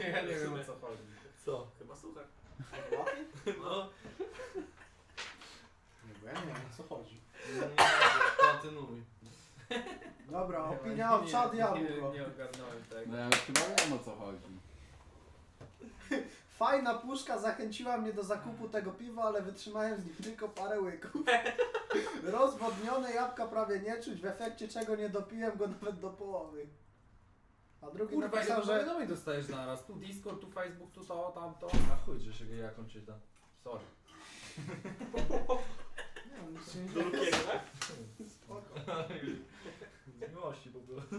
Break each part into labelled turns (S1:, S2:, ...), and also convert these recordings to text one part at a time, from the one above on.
S1: Ja nie wiem o co chodzi.
S2: Co?
S3: Chyba suchar.
S2: No.
S4: Nie, bo ja nie wiem o co chodzi.
S2: Kontynuuj.
S4: Dobra, opinia od czad jabłko.
S1: Nie ogarnąłem tego.
S5: No ja już chyba wiem o co chodzi.
S4: Fajna puszka zachęciła mnie do zakupu tego piwa, ale wytrzymałem z nim tylko parę łyków. Rozwodnione jabłka prawie nie czuć, w efekcie czego nie dopiłem go nawet do połowy. A drugi
S1: Kurwa,
S4: napisał,
S1: ile
S4: że...
S1: powiadomień dostajesz naraz? Tu Discord, tu Facebook, tu to, tamto.
S2: A chuj, że się jaką czyta. Sorry.
S4: Nie, nic się nie
S3: Do
S4: dzieje.
S3: Lukiego, tak?
S4: Spoko.
S2: Z miłości po prostu.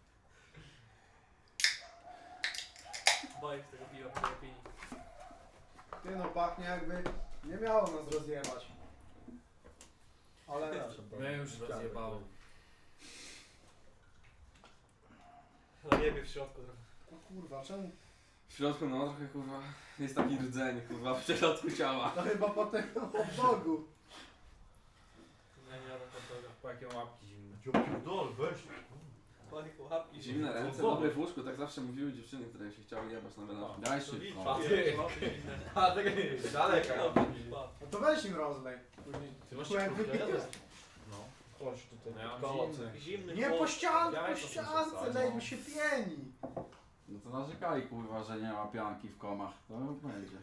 S3: Boję się tego piwa, tej opinii.
S4: Ty no, pachnie jakby nie miało nas rozjebać. Ale...
S1: Mnie już rozjebało.
S3: No jebie w środku trochę.
S4: O kurwa, czemu?
S6: W środku no trochę kurwa jest taki rdzeń kurwa w środku ciała.
S4: To chyba po tym hot dogu.
S3: Nie, nie jadam hot doga.
S1: Po jakie łapki zimne.
S2: Pierdol, weź.
S3: Panie łapki.
S6: Zimne ręce, dobre w łóżku, tak zawsze mówiły dziewczyny, które się chciały jebać na melanż.
S5: Daj
S3: To widz,
S5: szybko.
S3: wiesz, łapy inne.
S2: A tak daleka.
S3: Pa.
S4: No to weź im rozlej. Później.
S2: Ty masz
S4: Jak
S2: kurtkę,
S4: wypijesz.
S2: No. Chodź tutaj.
S1: No ja mam
S2: koło
S1: zimny.
S3: Zimny
S4: Nie
S3: chłop.
S4: po ściance,
S1: Ja
S4: po
S1: to muszę
S4: ściance,
S1: wsadzić.
S4: lej mi się pieni.
S5: No to narzekali kurwa, że nie ma pianki w komach. To będzie.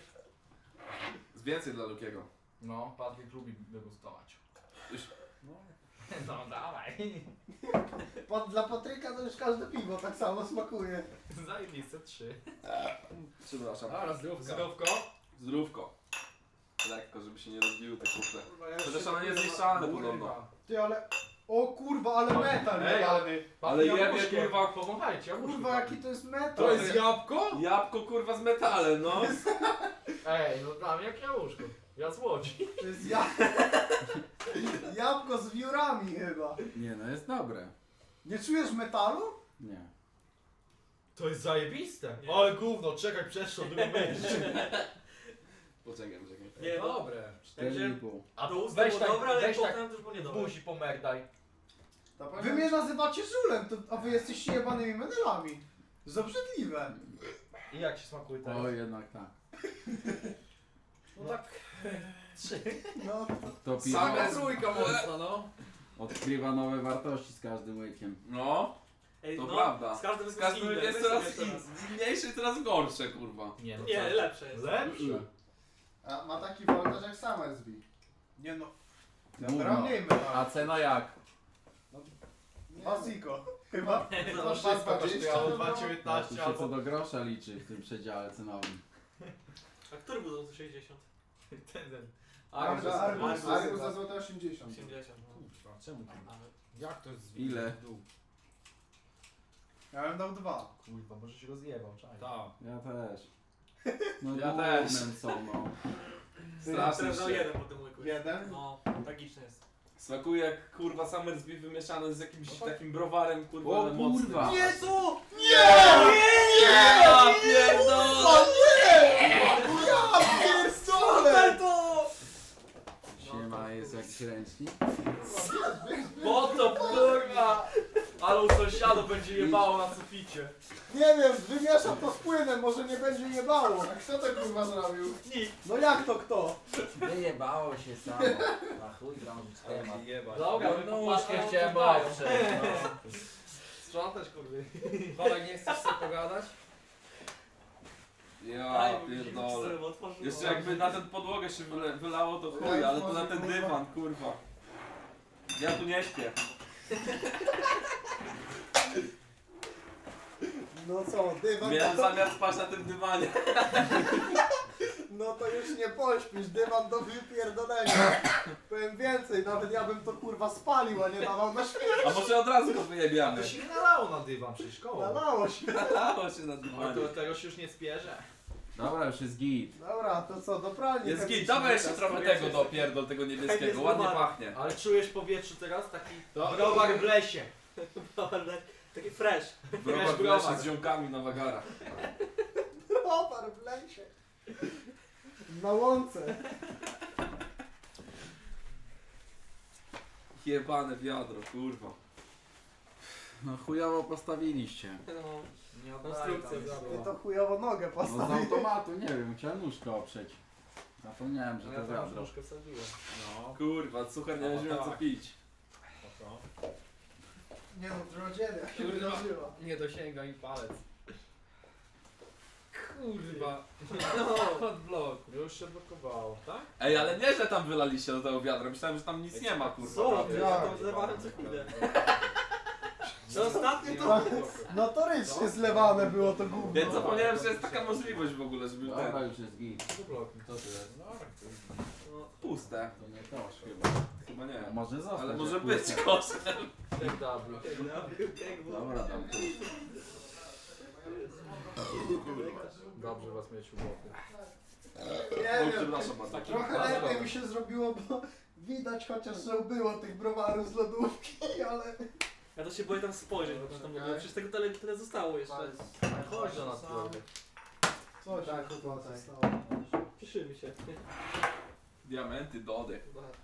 S6: Z więcej dla Lukiego.
S2: No, Patryk lubi degustować.
S6: Już.
S2: No dawaj.
S4: Dla Patryka to już każde piwo tak samo smakuje.
S2: Zajebiste 3.
S6: Przepraszam.
S1: A, zdrówka.
S2: Zdrówko?
S6: Zdrówko. Lekko, żeby się nie rozbiły te kufle.
S4: Kurwa,
S6: Chociaż one nie zniszczalne podobno.
S4: Ty ale... O kurwa, ale metal
S2: Ej,
S4: jebany.
S6: Ale jebie kurwa.
S2: Powąchajcie,
S4: Kurwa, jaki to jest metal.
S2: To jest jabłko?
S6: Jabłko kurwa z metalem, no.
S2: Ej, no dla mnie jak jabłuszko. Ja z Łodzi.
S4: To jest jabłko z wiórami chyba.
S5: Nie no, jest dobre.
S4: Nie czujesz metalu?
S5: Nie.
S2: To jest zajebiste.
S3: Nie.
S2: Ale gówno, czekaj, przeszło drugą myśl.
S6: Poczekaj.
S3: Nie, no.
S1: Dobre.
S5: 4,5.
S2: A
S3: To usta
S2: weź
S3: było
S2: tak,
S3: dobre, ale
S2: weź tak
S3: potem też było
S2: w
S3: niedobre.
S2: buzi pomerdaj.
S4: Wy mnie nazywacie żulem, a wy jesteście jebanymi menelami. Za obrzydliwe.
S2: I jak się smakuje teraz?
S5: O, jednak tak.
S1: No tak.
S2: 3.
S4: No,
S5: To
S6: Same
S5: piwo
S6: z-
S1: Trójka mocno, no.
S5: odkrywa nowe wartości z każdym łykiem.
S6: No,
S3: Ej,
S6: to
S3: no,
S6: prawda.
S3: Z każdym
S6: Z każdym
S3: inne.
S6: jest
S3: Weź
S6: coraz
S3: sobie teraz.
S6: mniejsze, coraz gorsze kurwa.
S2: Nie, no
S3: Nie,
S2: co?
S3: lepsze jest.
S2: Lepsze.
S4: a ma taki woltaż jak Summersby. Nie no.
S5: Gówno.
S4: mniej metalu.
S5: A cena jak?
S4: Basiko. Chyba.
S3: No,
S2: To wszystko kosztowało
S5: No,
S2: 2,19
S5: tu się co
S2: albo...
S5: do grosza liczy w tym przedziale cenowym.
S3: A który był za 60?
S2: Ten.
S4: Argus za złote 80.
S3: 80, no.
S1: Kurwa, czemu tak?
S3: Ale
S1: Jak to jest
S6: Ile?
S1: w dół?
S4: Ja bym dał 2.
S2: Kurwa, może się rozjebał, czaj.
S1: Tak.
S5: Ja też. No
S6: Ja
S5: gównem
S6: też.
S5: są, no.
S6: Strasznie
S3: teraz dał
S6: się.
S3: jeden po tym łyku.
S4: Jeden?
S3: No, tragiczne jest.
S6: Smakuje jak kurwa Summersby wymieszane z jakimś takim browarem kurwa
S5: O,
S6: ale mocnym.
S5: kurwa.
S3: Jezu!
S6: Ja pierdolę!
S4: Ja pierdolę!
S3: to!
S5: Siema, jest jakiś ręcznik?
S2: Po to kurwa! Ale u sąsiadów będzie jebało na suficie.
S4: Nie wiem, wymieszam to z płynem, może nie będzie jebało. A kto to kurwa zrobił?
S3: Nikt.
S4: No jak to kto?
S7: Wyjebało się samo. Na chuj drążyć temat.
S1: Jebać.
S2: Dobra,
S1: no,
S2: wypłaszkę
S1: no,
S2: chciałem
S1: to
S2: oprzeć. No. Sprzątać kurwy.
S1: Kolej, nie chcesz sobie pogadać?
S6: Ja pierdolę. Jeszcze jakby na tę podłogę się wylało to chuj, ale to na ten dywan kurwa. Ja tu nie śpię.
S4: No co, dywan
S6: Miałem
S4: to...
S6: zamiar spać na tym dywanie.
S4: No to już nie pośpisz, dywan do wypierdolenia. Powiem więcej, nawet ja bym to kurwa spalił, a nie dawał na śmierć.
S6: A może od razu go wyjebiamy?
S2: To się nie nalało na dywan przecież koło.
S4: Nalało się.
S6: Nalało się na
S2: No
S6: dywanie.
S2: to tego się już nie spierze.
S5: Dobra, już jest git.
S4: Dobra, to co, do pralni.
S6: Jest
S4: chemicznej
S6: git, dawaj jeszcze
S4: teraz
S6: trochę
S4: powiecie.
S6: tego do pierdol, tego niebieskiego, ładnie pachnie.
S2: Ale czujesz w powietrzu teraz taki browar w lesie.
S3: Taki fresh.
S6: Browar w lesie z ziomkami na wagarach.
S4: Browar w lesie. Na łące.
S6: Jebane wiadro, kurwa.
S5: No chujowo postawiliście.
S3: No,
S2: Nie
S3: konstrukcja
S4: Ty
S3: zabrała.
S4: to chujowo nogę
S5: No z
S4: postawił.
S5: automatu, nie wiem, chciałem nóżkę oprzeć. Zapomniałem, że
S3: No
S5: to
S3: ja tam
S5: wiadro.
S3: troszkę wsadziłem.
S1: No,
S6: Kurwa, suchar nie będzie miał co pić.
S1: spoko.
S4: Nie no, drodzienia się
S1: Kurwa.
S4: wydarzyła.
S1: Nie dosięga mi palec. Kurwa.
S3: No.
S1: Od bloku.
S2: Już się blokowało, tak?
S6: Ej, ale nie, że tam wylaliście do tego wiadra, myślałem, że tam nic nie ma, kurwa.
S3: Co?
S6: prawie.
S3: Ja to zlewałem co chwilę. To ostatnio to...
S4: Notorycznie zlewane było to gówno.
S6: Więc zapomniałem, że jest taka możliwość w ogóle, żeby
S5: Dobra,
S6: ten...
S5: już jest git.
S2: Co bloku?
S5: Co to jest?
S1: No,
S3: No,
S6: Puste.
S5: To nie kosz chyba.
S6: Chyba nie.
S5: A może zostać.
S6: Ale
S5: jak
S6: może
S5: puste.
S6: być koszem.
S2: Jak double.
S5: Dobra, dam tu.
S2: Dobrze was mieć u boku.
S4: Nie
S6: Oj,
S4: wiem,
S6: przepraszam bardzo.
S4: trochę lepiej mi się zrobiło, bo widać chociaż, że było tych browarów z lodówki, ale...
S3: Ja to się boję tam spojrzeć, bo tam było. Przecież tego tyle zostało jeszcze.
S2: Chodź do nas, Piotr.
S4: Co się
S3: Tak,
S4: chyba
S3: tutaj.
S4: stało?
S3: Cieszymy się.
S6: Diamenty, dody.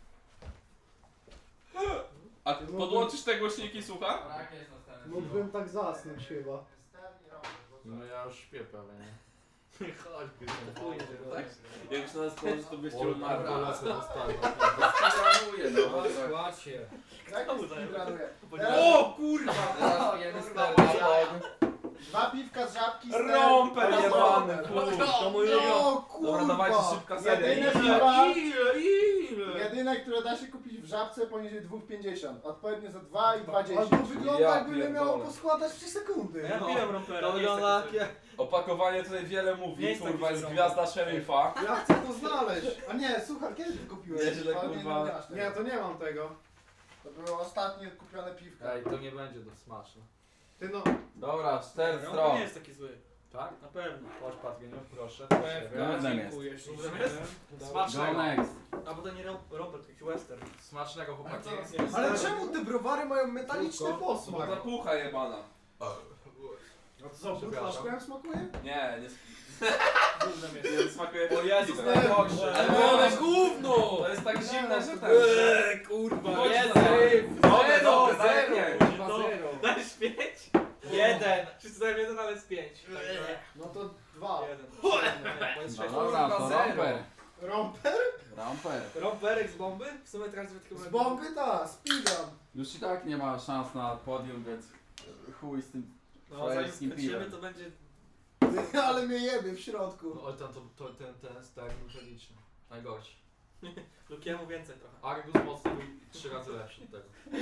S6: A podłączysz te głośniki, słucha?
S4: Mógłbym tak zasnąć chyba.
S2: No ja już śpię prawie, nie? Chodź,
S6: Tak? Jak już na nas położy, to byście umarli.
S2: lasy dostaną.
S5: Planuję, no.
S1: Składź się.
S4: Jak
S3: to zajmę?
S4: planuję?
S6: O kurwa!
S1: Teraz pijemy stereo.
S4: 2 piwka z żabki,
S6: Rąper jebany, kurwa.
S3: To mój ulubiony.
S4: No kurwa!
S6: Dobra, dawajcie szybka seria.
S4: Jedyne piwa,
S2: Ile?
S4: jedyne, które da się kupić w żabce poniżej 2,50. Odpowiednio za 2 i 2,10.
S1: Albo
S4: wygląda
S6: Ja
S4: jakby nie miało
S6: pierdolę.
S4: poskładać 3 sekundy.
S3: Ja piłem rompera.
S2: To
S3: nie jest
S2: wygląda
S3: taki
S2: jak...
S6: Opakowanie tutaj wiele
S3: Nie
S6: mówi,
S3: jest taki
S6: kurwa, jest
S3: zielony.
S6: gwiazda szeryfa.
S4: Ja chcę to znaleźć. A nie, słuchaj, kiedy ty kupiłeś?
S6: Nieźle,
S4: Ale
S6: kurwa.
S4: nie, masz tego.
S8: Nie, to nie mam tego.
S4: To było ostatnie kupione piwko.
S2: Ej, to nie będzie do smaczne.
S8: Ty no,
S5: Dobra, 4
S3: Romper
S5: stron.
S3: nie jest taki zły.
S2: Tak?
S3: Na pewno.
S2: Chodź, Patwieniu, proszę.
S5: Gównem jest.
S1: Dziękuję ślicznie.
S5: Go
S2: Smacznego.
S5: next.
S3: A bo to nie romper, to jakiś western.
S2: Smacznego, chłopaki.
S4: Ale czemu te browary mają metaliczny posmak?
S6: Bo ta pucha jebana.
S4: No to co, butlaszkiem smakuje?
S6: Nie,
S3: Gównem jest.
S6: nie smakuje
S2: O Jezus,
S6: piwem.
S2: najgorsze.
S6: Ale
S2: Ale
S6: one
S2: gówno!
S6: To jest tak zimne, że ten...
S2: Kurwa,
S6: Chodź
S2: jest
S6: na-
S2: Zero,
S6: Dobre, daj
S2: zero.
S6: pięć.
S2: Kurwa,
S3: No.
S2: zero.
S3: Dajesz 5?
S2: Jeden.
S3: Wszyscy dają 1, ale z 5.
S4: No to 2.
S3: 1.
S5: No
S3: Jest
S5: dobra, to
S1: zero.
S5: romper.
S4: Romper?
S5: Romper.
S3: Romperek z bomby? W sumie teraz tylko...
S4: Z bomby ta, speedrun.
S5: Już i tak nie ma szans na podium, więc chuj z tym
S3: No zanim
S5: frajerskim
S3: skończymy
S5: piwem.
S3: to będzie...
S4: Ale mnie jebie w środku.
S2: No, ale ten stek nuteliczny. Najgorszy.
S3: Lukiemu więcej trochę.
S2: Argus mocny był 3 razy lepszy od tego.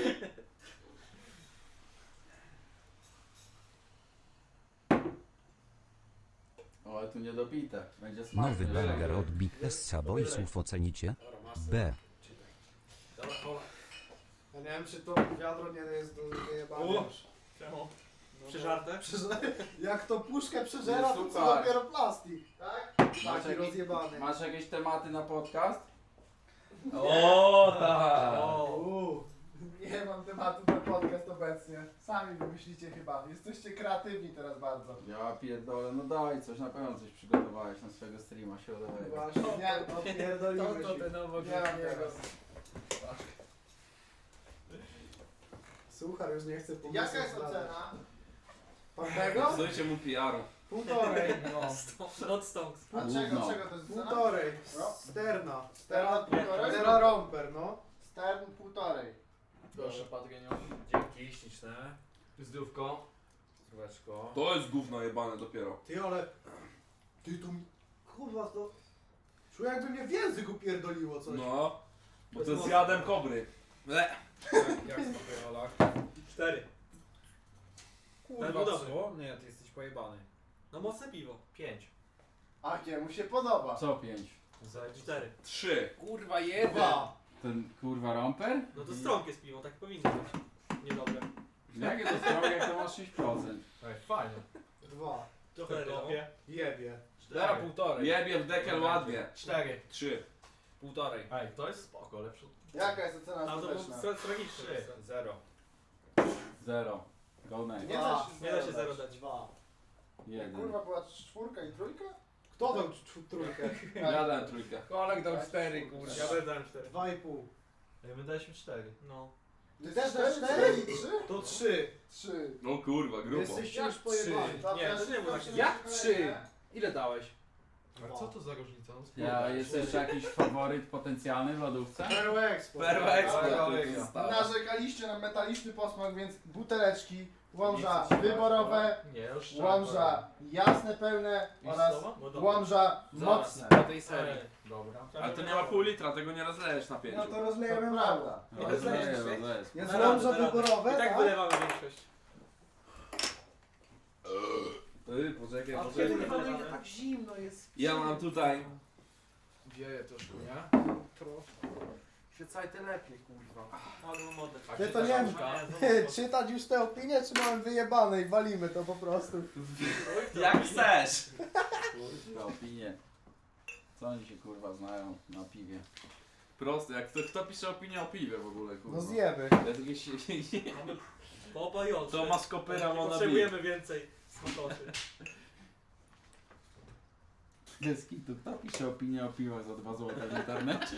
S5: O, ale tu niedopite. Będzie smaczne.
S9: Nowy burger od Big Essa Boysów ocenicie? B.
S3: Dobra, kola.
S4: Ja nie wiem, czy to wiadro nie jest do wyjebania
S3: U.
S4: już.
S3: Czemu? Przeżarte?
S4: Jak to puszkę przeżera, to co
S5: Super.
S4: dopiero plastik, tak?
S5: Masz
S4: Taki
S5: jakiś-
S4: rozjebany.
S5: Masz jakieś tematy na podcast?
S6: O tak!
S4: Nie mam tematu na podcast obecnie. Sami wymyślicie chyba. Jesteście kreatywni teraz bardzo.
S5: Ja pierdolę, no daj coś, na pewno coś przygotowałeś na swojego streama środowego.
S4: Właśnie, nie, no pierdolimy
S1: To
S4: się.
S1: ten nowo
S4: Nie mam tego. Słuchaj, już nie chcę pomysłu.
S8: jaka jest
S4: zdradzać.
S8: ocena?
S4: Pewnego?
S6: Zdajcie mu PR-u.
S4: 1,5.
S3: No. Not stonks.
S8: A
S5: Gówno.
S8: czego to jest ocena?
S4: 1,5.
S8: No.
S4: Sterna.
S8: Stern półtorej?
S4: Stera romper, no.
S8: Stern półtorej.
S2: Proszę, Patwieniu.
S1: Dzięki, śliczne.
S2: Zdrówko.
S1: Zdróweczko.
S6: To jest gówno jebane dopiero.
S4: Ty, ale... Ty tu... Kurwa, to... Czuję jakby mnie w język upierdoliło coś.
S6: No. Bo to jest jadem kobry.
S1: Jak smakuje Olak?
S3: 4.
S1: Kurwa,
S3: Ten był dobry.
S1: co? Nie, ty jesteś pojebany.
S3: No mocne piwo.
S2: 5.
S8: A jemu się podoba.
S5: Co 5?
S3: 4.
S6: 3.
S1: Kurwa, jeden.
S8: 2.
S5: Ten kurwa romper?
S3: No to strąg jest piwo, tak powinno być. Niedobre.
S5: Jakie to strony, jak to masz 6%?
S2: Ej, fajnie.
S4: 2.
S3: Trochę kopie.
S4: Jebie.
S1: Dara półtorej.
S6: Jebie w dekel ładnie.
S2: 4.
S6: 3.
S1: Półtorej.
S2: Ej, to jest spoko, lepsze.
S8: Jaka jest ocena
S3: A to było
S8: ostateczna?
S3: tragiczne.
S1: 0.
S5: 0. Go next.
S8: Nie da się
S3: Nie da się
S8: zero
S3: zero dać.
S4: 2.
S5: 1.
S8: Kurwa była 4 i 3?
S4: Kto dał trójkę?
S6: Ja dałem trójkę.
S1: Kolek dał 4, kurwa.
S3: Ja też dałem 4.
S4: 2,5.
S2: Ej, my daliśmy 4.
S3: No.
S4: Ty też
S8: Cztery,
S4: dasz 4?
S8: 3?
S1: To 3.
S8: 3.
S6: O kurwa, grubo.
S4: Jesteście
S1: Jak
S4: już pojebani.
S1: Nie,
S2: to nie było takie-
S1: Jak 3? Ile dałeś?
S3: A co to za różnica? No,
S5: Ja, jest jeszcze jakiś faworyt potencjalny w lodówce?
S8: Perło Expo.
S6: Perła Expo.
S8: Narzekaliście na metaliczny posmak, więc buteleczki, łomża
S2: Nie chcesz
S8: wyborowe,
S3: Nie, już
S8: łomża jasne, pełne oraz łomża mocne.
S1: Po tej serii.
S3: Dobra.
S6: Ale to nie ma pół litra, tego nie rozlejesz na 5.
S4: No to
S8: To
S4: rozlejemy
S8: prawda.
S5: No, rozleję.
S4: Jest
S2: Na radę,
S4: łomża
S2: na radę.
S4: wyborowe,
S2: I tak
S4: tak?
S2: wylewamy większość.
S6: Poczekaj,
S4: A
S6: poczekaj.
S4: kiedy nie wolno, ile tak zimno jest.
S6: Ja mam tutaj.
S1: Wieje troszkę, nie? Świecajcie lepiej, kurwa.
S2: Albo modę.
S4: Ty to nie wiem, czytać już te opinie, czy mamy wyjebane i walimy to po prostu.
S6: Jak chcesz.
S5: Kurwa, opinie. Co oni się kurwa znają na piwie?
S6: Proste, jak kto pisze opinię o piwie w ogóle, kurwa.
S4: No zjemy.
S6: Ja takie się...
S2: Popające.
S6: To ma skopyra, ma na
S2: Potrzebujemy więcej smakoszy.
S5: Deski, to kto pisze opinię o piwach za 2 zł w internecie?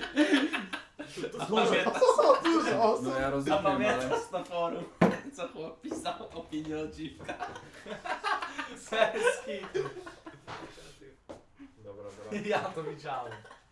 S4: Dużo osób.
S5: No ja rozumiem, ale...
S6: Zapamiętasz na forum, co chłop pisał opinię o dziwkach.
S2: Serski.
S3: Dobra, dobra.
S2: Ja to widziałem.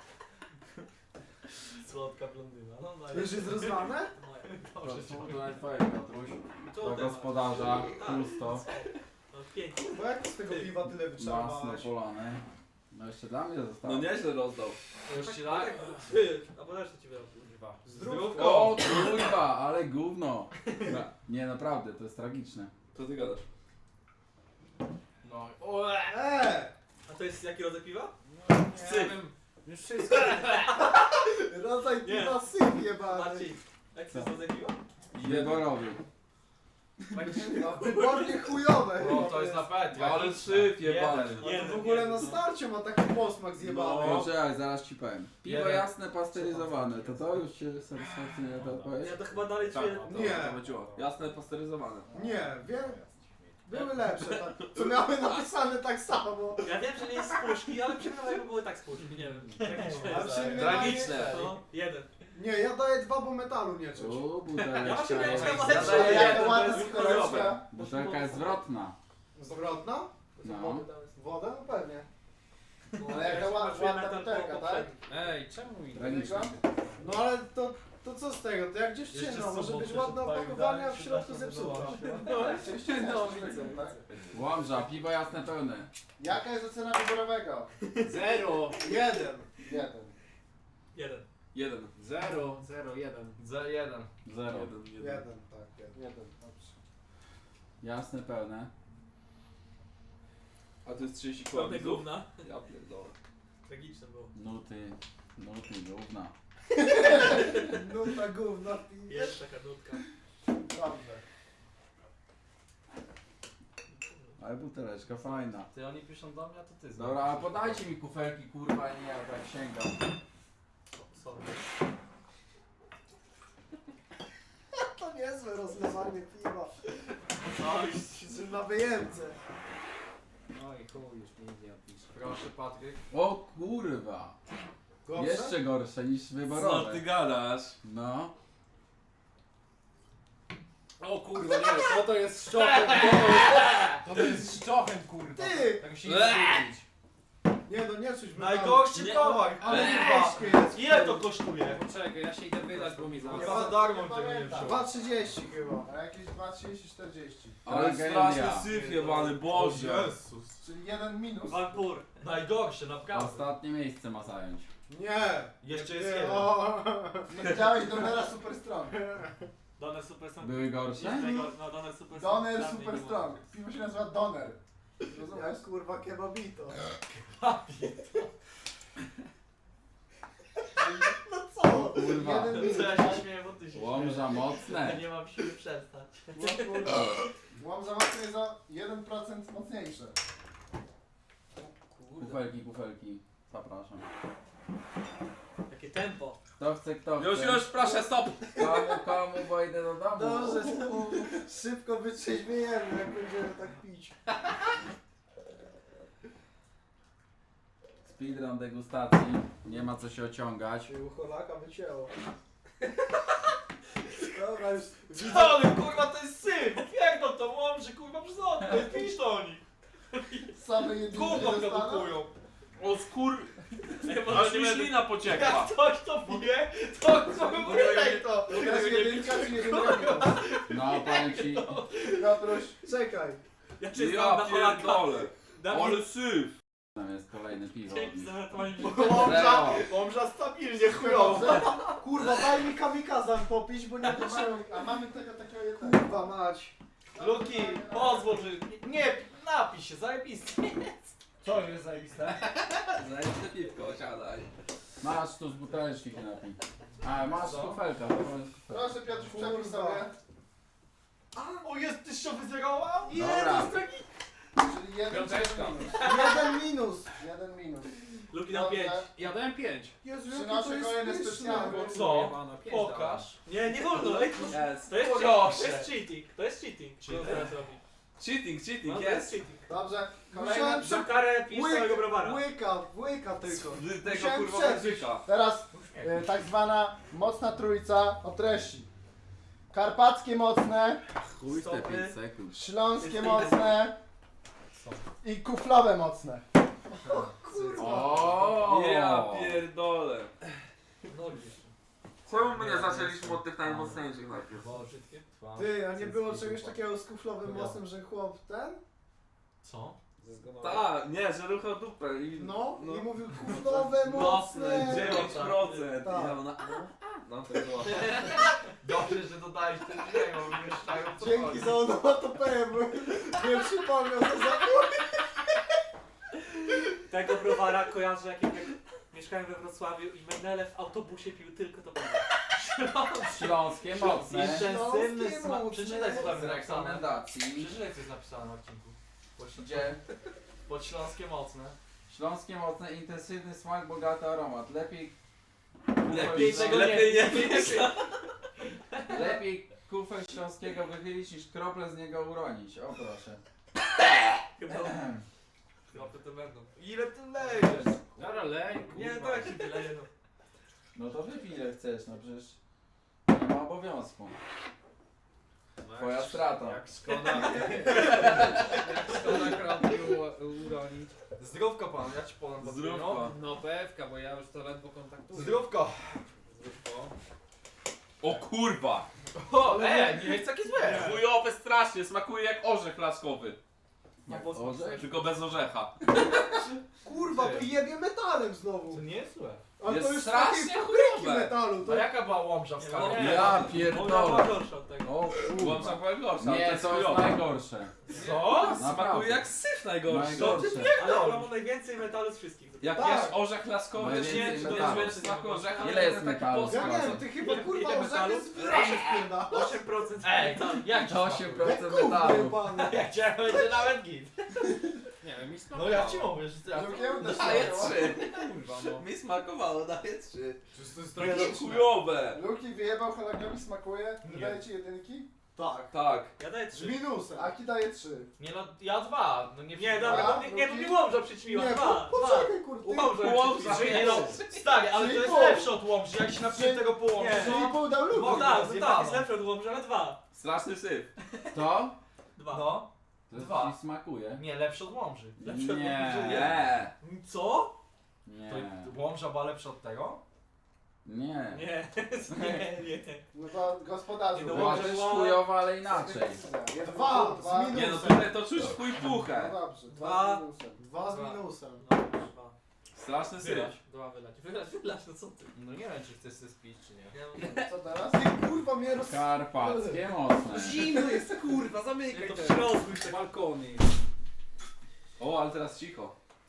S2: Słodka blondyna. No, no,
S4: Już jest rozlane?
S2: Dobrze,
S5: To najfajniej, Piotruś. Do gospodarza, pusto,
S2: No, pięknie.
S4: Bo jak z tego piwa tyle
S5: masno
S4: wyczerpałeś?
S5: polane. No jeszcze dla mnie zostało.
S6: No nieźle rozdał.
S3: Już ci daj?
S2: Ty, a podasz co ci wyrobił.
S1: Kurwa.
S3: Zdrówko!
S5: O kurwa, ale gówno. Nie, naprawdę, to jest tragiczne.
S6: Co ty gadasz?
S3: No.
S2: A to jest jaki rodzaj piwa?
S1: Nie wiem. Już wszystko.
S4: Rodzaj
S2: Nie.
S4: piwa syp jebany.
S2: Marcin, jaki to jest rodzaj piwa?
S5: Wyborowy.
S4: No, wybornie chujowe.
S3: No to jest na pet.
S6: Ale syf jebany.
S4: A to w ogóle na starcie ma taki posmak zjebany.
S6: No.
S5: Poczekaj, zaraz ci powiem. Piwo
S3: Jeden.
S5: jasne, pasteryzowane. To już cię satysfakcjonuje ta odpowiedź?
S2: Ja to chyba dalej
S6: Tak,
S2: czuję.
S6: to,
S4: Nie.
S6: to chodziło. Jasne, pasteryzowane.
S4: Nie, wiem. Były lepsze, tak, co miały napisane tak samo.
S2: Ja wiem, że nie jest z puszki, ale przynajmniej jakby były tak z puszki, nie wiem. Tragiczne
S4: A
S2: jest.
S4: przy mnie
S6: Tragiczne.
S4: daje-
S2: No, jeden.
S4: Nie, ja daję 2, bo metalu nie czuć.
S5: O,
S2: Ja właśnie miałem
S5: buteleczka
S2: chyba
S5: jest,
S2: lepsze.
S8: Ale jaka
S2: to
S8: ładna
S2: jest
S8: buteleczka.
S5: butelka jest zwrotna.
S4: Zwrotna?
S5: No.
S4: Woda? No pewnie.
S8: Ale jaka ładna butelka, tak?
S1: Ej, czemu ich?
S5: Tragiczne.
S4: No ale to co z tego? To jak dziewczyna, może być ładne opakowanie, a w środku zepsuta.
S8: Oczywiście no, tak?
S5: Łomża, piwo jasne pełne.
S8: Jaka jest ocena wyborowego?
S1: 0,
S4: 1.
S8: 1.
S2: Jeden.
S6: 1.
S1: 0, 0, 1.
S3: Za jeden.
S5: 0.
S4: 1, tak, 1.
S8: 1, dobrze.
S5: Jasne pełne.
S6: A to jest 30
S2: Pełne
S6: kłamców.
S2: gówna.
S6: Ja pierdolę.
S2: Tragiczne było.
S5: Nuty, gówna.
S4: No ta gówna pije.
S2: Jest taka nutka.
S8: Dobrze.
S5: Ale buteleczka fajna.
S3: Ty oni piszą do mnie, a to ty znasz.
S5: Dobra, a podajcie mi kufelki kurwa i nie ja tak sięgam.
S2: Sorry.
S4: To niezłe rozlewanie piwa.
S2: Coś.
S4: Na wyjemce.
S1: No i chuj, już mi nie odpisze.
S3: Proszę Patryk.
S5: O kurwa.
S4: Gorsze?
S5: Jeszcze gorsze niż
S6: Co
S5: wyborowe.
S6: ty gadasz?
S5: No.
S1: O kurwa, nie, to jest szczochem, to jest szczochem, kurwa.
S4: Ty!
S1: Tak się nie kupić.
S4: Nie no, nie czuć metalu.
S2: Najgorszy Nie. towar.
S4: Ale gorzkie jest.
S2: Ile to kosztuje?
S1: Poczekaj, ja się idę wydać, bo mi
S3: Ja
S1: zaraz.
S3: za darmo
S8: Nie
S3: tego nie
S8: pamiętam.
S3: wziąłem.
S4: 2,30 chyba.
S8: A jakieś 2,30, 40.
S6: Ale
S5: Tragedia.
S6: straszny syf jebany, Boże.
S3: Jezus.
S8: Czyli 1 minus.
S2: Wampur.
S3: Najgorsze, naprawdę.
S5: Ostatnie miejsce ma zająć.
S4: Nie.
S3: Jeszcze jest
S4: Nie,
S3: jeden.
S4: o.
S8: Nie widziałeś Donera Super Strong.
S2: Doner Super Strong.
S5: Były gorsze?
S2: No, Doner Super Strong.
S8: Doner
S2: Dla mnie
S8: Super
S2: nie było.
S8: Strong. Piwo się nazywa Doner. Rozumiesz?
S4: Jak kurwa kebabito. No co?
S5: Kurwa.
S8: Jeden minus.
S2: Co ja się śmieję, bo ty się
S5: Łomża
S2: śmiejesz. Ja
S5: mocne.
S2: nie mam siły przestać.
S8: Łom za mocno jest o 1% mocniejsze.
S5: Kufelki. Zapraszam.
S2: Jakie tempo.
S5: Kto chce, kto chce.
S6: Już, proszę, stop!
S5: Komu, bo idę do domu.
S4: Dobrze, szybko wytrzeźwiejemy, jak będziemy tak pić.
S5: Speedrun degustacji. Nie ma co się ociągać.
S4: Się u Holaka wycięło. Dobra, już
S2: Co ty, kurwa, to jest syf! Pierdol to łomży, kurwa, przez okno, pisz do nich.
S8: Same jedynki
S2: Gówno
S8: dostaną?
S2: produkują.
S6: O skur...
S2: Nie,
S6: Aż mi ślina pociekła.
S2: Jak ktoś to pije, to wydaj to.
S8: To jest jedynka czy jedynka minus?
S5: No, powiem ci,
S8: Piotruś,
S4: czekaj.
S2: Ja cię znam
S6: Ja
S2: na Holaka.
S6: pierdolę.
S2: Dawid,
S6: Ale syf.
S5: tam jest kolejne piwo.
S2: dzięki za ratowanie
S4: Łomża stabilnie chujowo. Kurwa, daj mi kamikazem popić, bo nie wytrzymam.
S8: a mamy tego takiego jednego.
S4: Kurwa mać.
S2: Luki, pozwól, że... Nie, napij się, zajebisty.
S1: Co jest zajebiste?
S6: Zajebiste piwko, siadaj.
S5: Masz tu z buteleczki się napij. A, masz
S2: Co?
S5: kufelka.
S8: Proszę Piotruś, przepisz sobie.
S2: O, jest tyś wyzerował?
S5: Dobra.
S8: Czyli jeden
S6: Piąteczka.
S8: minus.
S4: Jeden minus.
S8: Jeden minus.
S2: Luki na
S8: Dobrze.
S2: 5.
S1: Ja dałem 5.
S4: Jezu,
S8: Przynoszę kolejne specjalne.
S2: Co? Pokaż. Nie wolno, ej,
S6: Jest.
S2: to jest cheating, to jest cheating. Co teraz robi?
S6: Cheating,
S2: No, to
S6: jest.
S2: jest cheating.
S8: Dobrze,
S4: Musiałem
S8: kolejne.
S2: Za karę pijesz całego browara.
S4: Łyka tylko.
S6: Z tego
S4: Musiałem
S6: kurwa
S4: przeżyć.
S6: wężyka.
S8: Teraz tak zwana mocna trójca o treści. Karpackie mocne,
S5: Chuj te
S2: Stopy.
S5: 5 sekund.
S8: śląskie mocne i kuflowe mocne.
S5: O!
S6: Ja pierdolę.
S2: Nogi jeszcze.
S6: Czemu my nie zaczęliśmy od tych najmocniejszych najpierw?
S2: Bo brzydkie.
S4: Ty, a nie było czegoś takiego z kuflowym mocem, że chłop ten?
S2: Co?
S6: Tak, nie, że ruchał dupę i...
S4: No,
S6: No.
S4: i mówił kuflowe
S6: Mocne,
S4: mocne.
S6: 9%.
S4: Tak.
S6: I ja no, no to było.
S2: Dobrze, że dodałeś ten dźwięk, bo mieszczają co
S4: Dzięki
S2: chodzi.
S4: za onomatopeję, bo nie przypomniał co za...
S2: Tego browara kojarzę, jak mieszkałem we Wrocławiu i Menele w autobusie pił tylko to piwo.
S5: Śląskie mocne.
S2: Intensywny
S4: Śląskie
S2: smak.
S4: mocne.
S2: Przeczytaj co tam
S5: Z
S2: jest napisane.
S5: rekomendacji.
S2: Przeczytaj co jest napisane na odcinku.
S5: Gdzie?
S2: Podśląskie mocne.
S5: Śląskie mocne, intensywny smak, bogaty aromat. Lepiej
S6: Lepiej nie pisz.
S5: Lepiej kufel śląskiego wychylić niż krople z niego uronić. O proszę.
S2: Chyba to będą. Ile ty lejesz?
S1: Dobra, lej,
S2: Nie,
S1: kurwa.
S2: tak się wyleje no.
S5: No to wypij ile chcesz, no przecież nie ma obowiązku. Twoja strata.
S1: Jak szkoda. Jak szkoda krople uronić.
S2: Zdrówko pan, ja ci podam
S6: Zdrówko.
S1: No pewka, bo ja już to ledwo kontaktuję.
S2: Zdrówko.
S1: Zdrówko.
S6: O kurwa!
S2: O, nie jest takie złe.
S6: Chujowe strasznie, smakuje jak orzech laskowy.
S5: Jak
S2: Orzech?
S5: orzech?
S6: Tylko bez orzecha.
S4: Kurwa, to jebie metalem
S2: To
S4: znowu.
S2: nie jest złe.
S4: Ale
S6: Jest
S4: to już
S6: strasznie
S4: takiej fabryki
S6: chujowe.
S4: metalu. To...
S2: A jaka była łomża w skali?
S5: Ja
S2: Ona
S5: pierdolę.
S2: była gorsza od tego.
S5: O
S6: Byłam
S5: kurwa.
S6: smakuje gorsza, ale
S5: Nie,
S6: jest
S5: to jest
S6: chujowe.
S5: najgorsze.
S2: Co?
S6: Smakuje
S5: Naprawdę.
S6: jak syf najgorszy.
S5: Najgorsze.
S2: Ale ona ma najwięcej metalu z wszystkich.
S6: Jak
S4: Tak.
S6: jesz orzech laskowy,
S5: No
S6: to
S5: jest
S6: nie
S5: więcej
S6: czy to jest
S5: metalu.
S6: więcej smaku orzecha,
S5: Ile
S6: ale
S5: jest
S6: to taki
S5: metalu?
S6: posmak.
S4: Ja nie wiem, ty chyba kurwa
S2: Ile
S4: orzechy
S2: metalu?
S4: z wyrażek wpierda.
S2: 8% Ej, jak
S5: To 8%
S4: Kurwa
S5: metalu.
S4: jebane.
S2: Jak cię będzie nawet git.
S1: Nie wiem, mi
S2: No
S1: smakowało.
S2: ja ci mówię, że ja
S8: Żółkiełka
S6: Daję
S8: smakowała.
S6: 3.
S1: Kurwa, no.
S6: Mi smakowało, daję 3.
S1: To jest
S6: Nie no,
S1: tragiczne.
S6: chujowe.
S8: Luki wyjebał, Holakowi smakuje.
S2: Nie.
S8: Daje ci jedynki?
S4: Tak.
S6: Tak.
S2: Ja daję
S4: Z
S2: 3.
S4: minusem.
S8: Aki daje 3.
S2: Nie no, ja 2. No nie,
S8: Dwa,
S2: dobra, bo nie,
S8: drugi?
S2: mi łomża przyćmiła.
S4: Nie,
S2: 2.
S4: poczekaj kurwa.
S2: Łomża
S6: Łomża,
S2: przyćmiła.
S6: nie
S2: Nie no, stary, ale to jest
S8: 3,5.
S2: lepsze od łomży, jak się napisze tego po łomży.
S8: Czyli pół dał Luki.
S2: No tak, tak, jest lepsze od łomży, ale 2.
S6: Straszny syf.
S5: To?
S2: 2. No.
S5: To
S2: Dwa.
S5: ci smakuje?
S2: Nie, lepsze od łomży. Lepsze od
S5: Nie.
S2: łomży.
S6: Nie.
S2: Co?
S5: Nie.
S2: To łomża była lepsza od tego?
S5: Nie.
S2: Nie, nie.
S8: No to gospodarzu.
S2: Nie, no
S5: Była
S2: Łomża
S5: też
S2: była-
S5: chujowa, ale inaczej.
S4: Dwa, z minusem.
S6: Nie no, tutaj to czuć w chuj puchę.
S8: No dobrze,
S2: Dwa.
S8: 2 z minusem.
S4: 2 z
S2: Dwa.
S4: minusem.
S2: No, 2.
S6: Straszny syf.
S2: Wylać. 2 wylać, no co ty? No nie wiem, czy chcesz się spić, czy nie.
S8: Co teraz?
S4: Ty kurwa mnie roz...
S5: Karpackie mocne.
S1: Zimno jest, kurwa, zamykaj
S2: To
S1: te
S2: w środku już tak.
S1: balkony.
S6: O, ale teraz cicho.